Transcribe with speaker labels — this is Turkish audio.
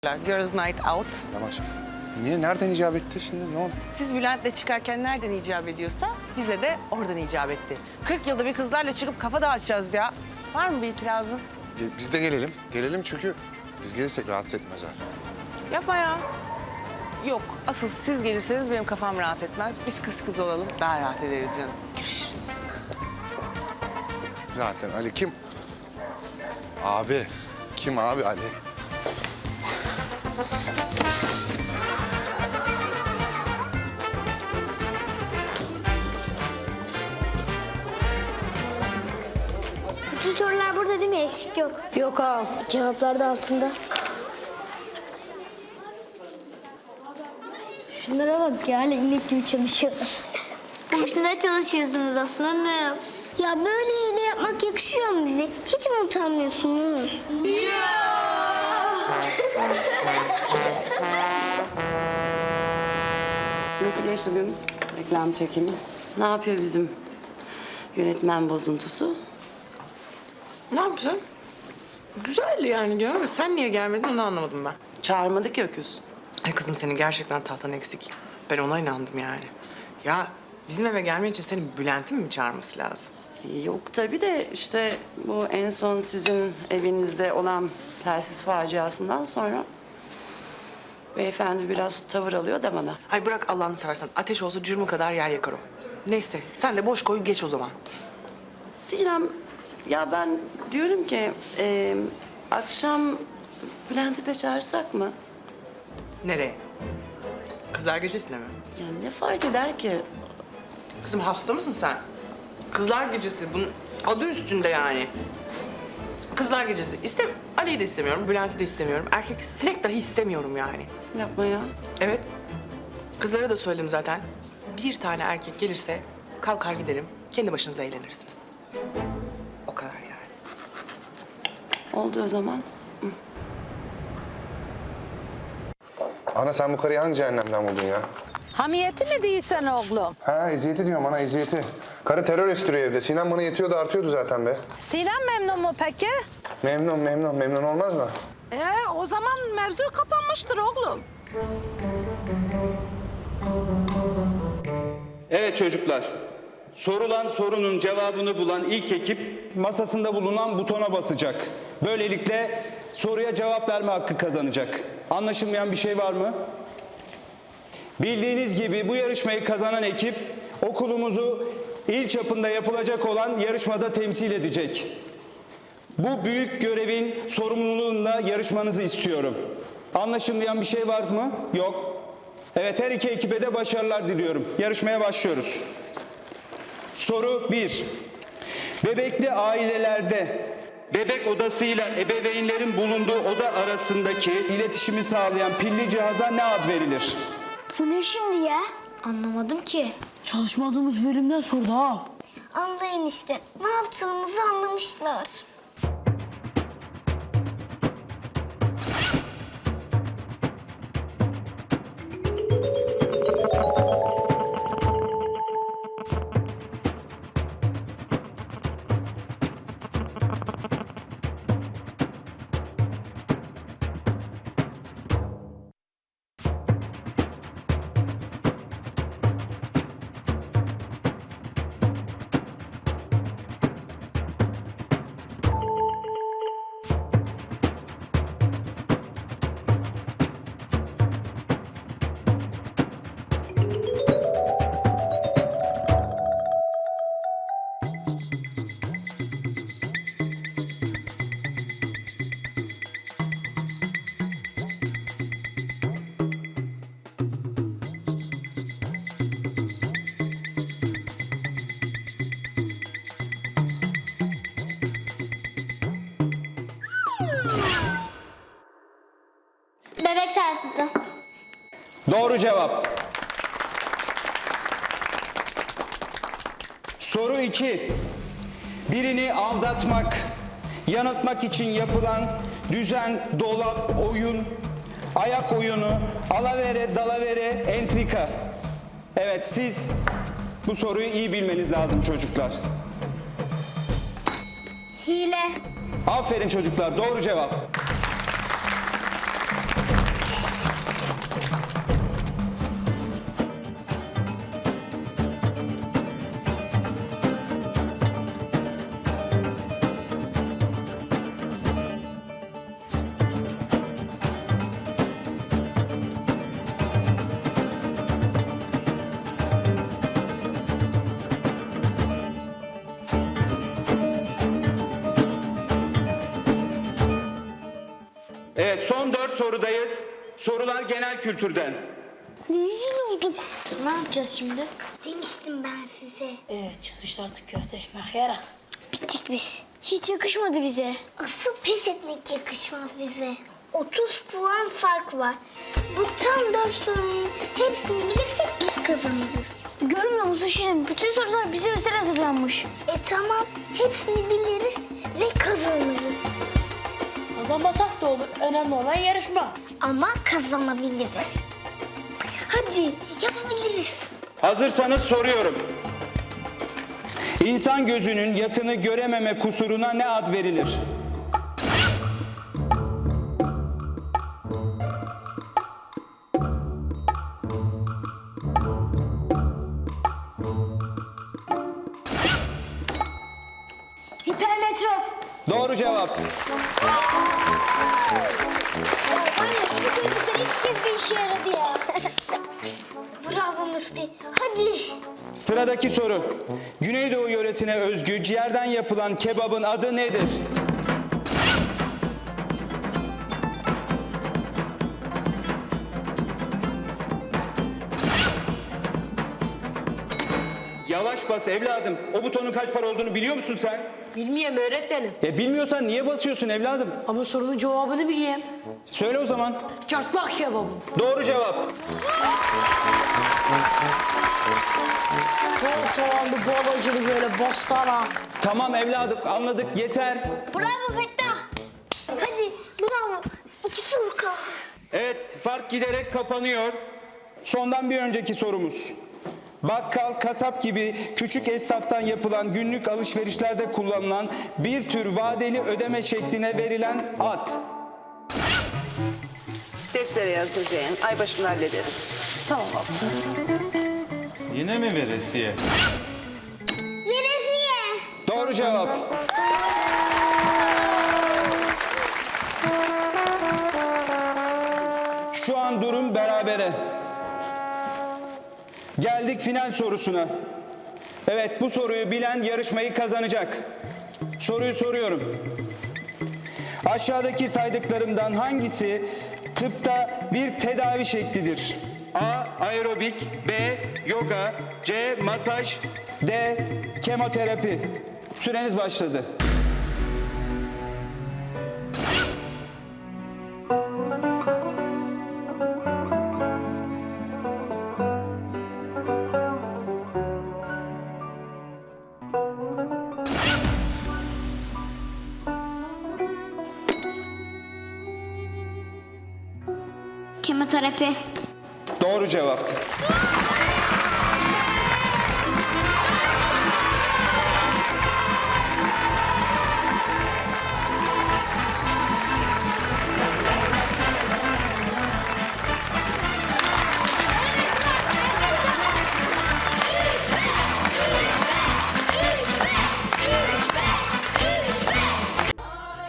Speaker 1: Girls Night Out.
Speaker 2: Yavaş. Niye? Nereden icap etti şimdi? Ne oldu?
Speaker 1: Siz Bülent'le çıkarken nereden icap ediyorsa bizle de oradan icap etti. 40 yılda bir kızlarla çıkıp kafa dağıtacağız ya. Var mı bir itirazın?
Speaker 2: Biz de gelelim. Gelelim çünkü biz gelirsek rahatsız etmezler.
Speaker 1: Yapma ya. Yok, asıl siz gelirseniz benim kafam rahat etmez. Biz kız kız olalım, daha rahat ederiz canım. Görüşürüz.
Speaker 2: Zaten Ali kim? Abi. Kim abi Ali?
Speaker 3: Bütün sorular burada değil mi? Eksik yok. Yok ağam. Cevaplar da altında. Şunlara bak ya, inek gibi çalışıyorlar. Boşuna çalışıyorsunuz aslanım. Ya böyle iğne yapmak yakışıyor mu bize? Hiç mi utanmıyorsunuz?
Speaker 4: Nasıl geçti gün reklam çekimi? Ne yapıyor bizim yönetmen bozuntusu?
Speaker 1: Ne yapacağım? Güzeldi yani diyorum ama sen niye gelmedin onu anlamadım ben.
Speaker 4: Çağırmadık ya öküz.
Speaker 1: Ay kızım senin gerçekten tahtan eksik. Ben ona inandım yani. Ya bizim eve gelmen için senin Bülent'in mi çağırması lazım?
Speaker 4: Yok tabii de işte bu en son sizin evinizde olan telsiz faciasından sonra beyefendi biraz tavır alıyor da bana.
Speaker 1: Ay bırak Allah'ını seversen. Ateş olsa cürmü kadar yer yakar o. Neyse sen de boş koy geç o zaman.
Speaker 4: Sinem, ya ben diyorum ki akşam Bülent'i de çağırsak mı?
Speaker 1: Nereye? Kızlar gecesine mi?
Speaker 4: Yani ne fark eder ki?
Speaker 1: Kızım hasta mısın sen? Kızlar gecesi bunun adı üstünde yani. Kızlar gecesi. Ali'yi de istemiyorum, Bülent'i de istemiyorum. Erkek sinek dahi istemiyorum yani.
Speaker 4: Yapma ya.
Speaker 1: Evet. Kızlara da söyledim zaten. Bir tane erkek gelirse kalkar giderim. Kendi başınıza eğlenirsiniz. O kadar yani.
Speaker 4: Oldu o zaman.
Speaker 2: Ana sen bu karıyı hangi cehennemden buldun ya?
Speaker 5: Hamiyeti mi değilsen oğlum?
Speaker 2: Ha eziyeti diyorum ana eziyeti. Karı terör estiriyor evde. Sinem bana yetiyordu artıyordu zaten be.
Speaker 5: Sinem memnun mu peki?
Speaker 2: Memnun olmaz mı?
Speaker 5: O zaman mevzu kapanmıştır oğlum.
Speaker 6: Evet çocuklar, sorulan sorunun cevabını bulan ilk ekip masasında bulunan butona basacak. Böylelikle soruya cevap verme hakkı kazanacak. Anlaşılmayan bir şey var mı? Bildiğiniz gibi bu yarışmayı kazanan ekip okulumuzu il çapında yapılacak olan yarışmada temsil edecek. Bu büyük görevin sorumluluğunda yarışmanızı istiyorum. Anlaşılmayan bir şey var mı? Yok. Evet, her iki ekibe de başarılar diliyorum. Yarışmaya başlıyoruz. Soru 1. Bebekli ailelerde bebek odasıyla ebeveynlerin bulunduğu oda arasındaki iletişimi sağlayan pilli cihaza ne ad verilir?
Speaker 3: Bu ne şimdi ya? Anlamadım ki.
Speaker 7: Çalışmadığımız bölümden sordu ha.
Speaker 3: Anlayın işte. Ne yaptığımızı anlamışlar. Bebek telsizi.
Speaker 6: Doğru cevap. Soru 2. Birini aldatmak, yanıltmak için yapılan düzen, dolap, oyun, ayak oyunu, alavere, dalavere, entrika. Evet, siz bu soruyu iyi bilmeniz lazım çocuklar.
Speaker 3: Hile.
Speaker 6: Aferin çocuklar, doğru cevap. Evet, son 4 sorudayız. Sorular genel kültürden.
Speaker 3: Rezil olduk.
Speaker 7: Ne yapacağız şimdi?
Speaker 3: Demiştim ben size.
Speaker 7: Çıkışta artık köfte ekmek yarak.
Speaker 3: Bittik biz. Hiç yakışmadı bize. Asıl pes etmek yakışmaz bize. 30 puan fark var. Bu tam 4 sorunun hepsini bilirsek biz kazanırız. Görmüyor musun şimdi? Bütün sorular bize özel hazırlanmış. Tamam. Hepsini biliriz ve kazanırız.
Speaker 7: Kazanmasak da olur. Önemli olan yarışma.
Speaker 3: Ama kazanabiliriz. Hadi yapabiliriz.
Speaker 6: Hazırsanız soruyorum. İnsan gözünün yakını görememe kusuruna ne ad verilir?
Speaker 3: Hipermetrop.
Speaker 6: Doğru cevap.
Speaker 3: Var ya şu gözlükler ilk kez bir işe yaradı ya. Bravo Müftü. Hadi.
Speaker 6: Sıradaki soru. Güneydoğu yöresine özgü ciğerden yapılan kebabın adı nedir? Yavaş bas evladım. O butonun kaç para olduğunu biliyor musun sen?
Speaker 7: Bilmiyorum öğretmenim.
Speaker 6: Bilmiyorsan niye basıyorsun evladım?
Speaker 7: Ama sorunun cevabını bileyim.
Speaker 6: Söyle o zaman.
Speaker 7: Çatlak kebabı.
Speaker 6: Doğru cevap.
Speaker 7: Bol soğanlı, bol acılı böyle bostana.
Speaker 6: Tamam evladım anladık yeter.
Speaker 3: Bravo Fettah. Hadi bravo. 2 soru kaldı.
Speaker 6: Evet, fark giderek kapanıyor. Sondan bir önceki sorumuz. Bakkal, kasap gibi küçük esnaftan yapılan günlük alışverişlerde kullanılan bir tür vadeli ödeme şekline verilen ad.
Speaker 4: Deftere yaz Müzeyyen. Ay başında hallederiz.
Speaker 7: Tamam abla.
Speaker 8: Yine mi veresiye?
Speaker 3: Veresiye.
Speaker 6: Doğru cevap. Şu an durum berabere. Geldik final sorusuna. Evet, bu soruyu bilen yarışmayı kazanacak. Soruyu soruyorum. Aşağıdaki saydıklarımdan hangisi tıpta bir tedavi şeklidir? A. Aerobik, B. Yoga, C. Masaj, D. Kemoterapi. Süreniz başladı.
Speaker 3: Kemoterapi.
Speaker 6: Doğru cevap.